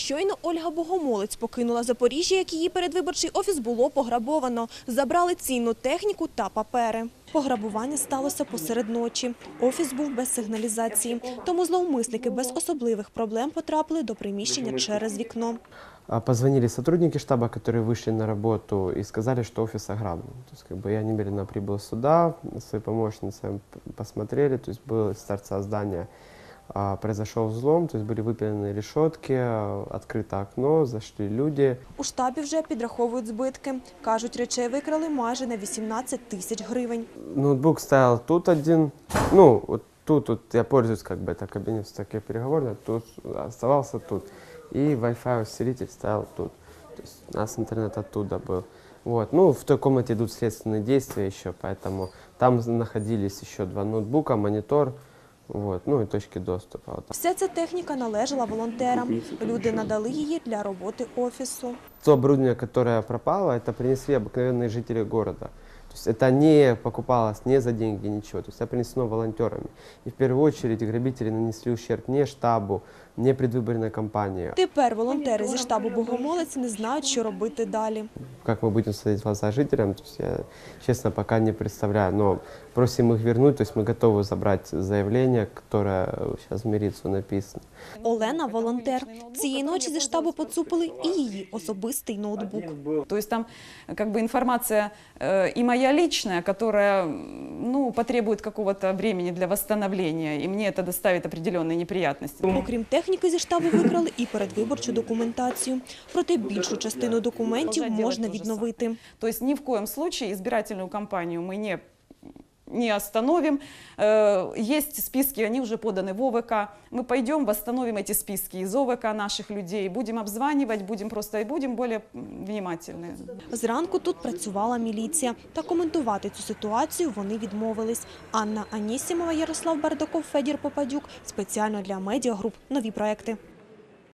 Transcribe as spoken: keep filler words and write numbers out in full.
Щойно Ольга Богомолець покинула Запоріжжя, як її передвиборчий офіс було пограбовано. Забрали цінну техніку та папери. Пограбування сталося посеред ночі. Офіс був без сигналізації. Тому зловмисники без особливих проблем потрапили до приміщення через вікно. Позвонили сотрудники штаба, которые вышли на работу и сказали, что офис ограблен. То есть, как бы, я немедленно прибыл сюда, свои помощницы посмотрели, то есть был с торца здания. Произошел взлом, то есть были выпилены решетки, открыто окно, зашли люди. У штабі вже підраховують збитки. Кажуть, речей викрали майже на вісімнадцять тисяч гривень. Ноутбук стоял тут один, ну, вот тут, вот я пользуюсь, как бы, это кабинет такой переговорный, тут оставался тут. И Wi-Fi усилитель стоял тут. То есть у нас интернет оттуда был. Вот. Ну, в той комнате идут следственные действия еще, поэтому там находились еще два ноутбука, монитор. Вот, ну і точки доступу. Вся ця техніка належала волонтерам. Люди надали її для роботи офісу. То оборудование, которое пропало, это принесли обыкновенные жители города. То есть это не покупалось не за деньги, ничего. То есть это принесено волонтерами. И в первую очередь грабители нанесли ущерб не штабу, не предвыборной кампании. Тепер волонтери зі штабу Богомолець не знають, що робити далі. Как мы будем смотреть в глаза жителям, то есть я, честно, пока не представляю. Но просим их вернуть, то есть мы готовы забрать заявление, которое сейчас в милицию написано. Олена – волонтер. Цієї ночі зі штабу поцупили і її особистий ноутбук. То есть там как бы информация э, и моя личная, которая ну, потребует какого-то времени для восстановления, и мне это доставит определенные неприятности. Окрім техніки зі штабу викрали і передвиборчу документацію. Проте більшу частину документів можна відновити. То есть ни в коем случае избирательную кампанию мы не не остановим. Есть списки, они уже поданы в О В К. Мы пойдем, восстановим эти списки из О В К наших людей, будем обзванивать, будем просто и будем более внимательны. Зранку тут працювала міліція. Та коментувати цю ситуацію вони відмовились. Анна Анісімова, Ярослав Бардаков, Федір Попадюк. Спеціально для медіагруп «Нові проекти».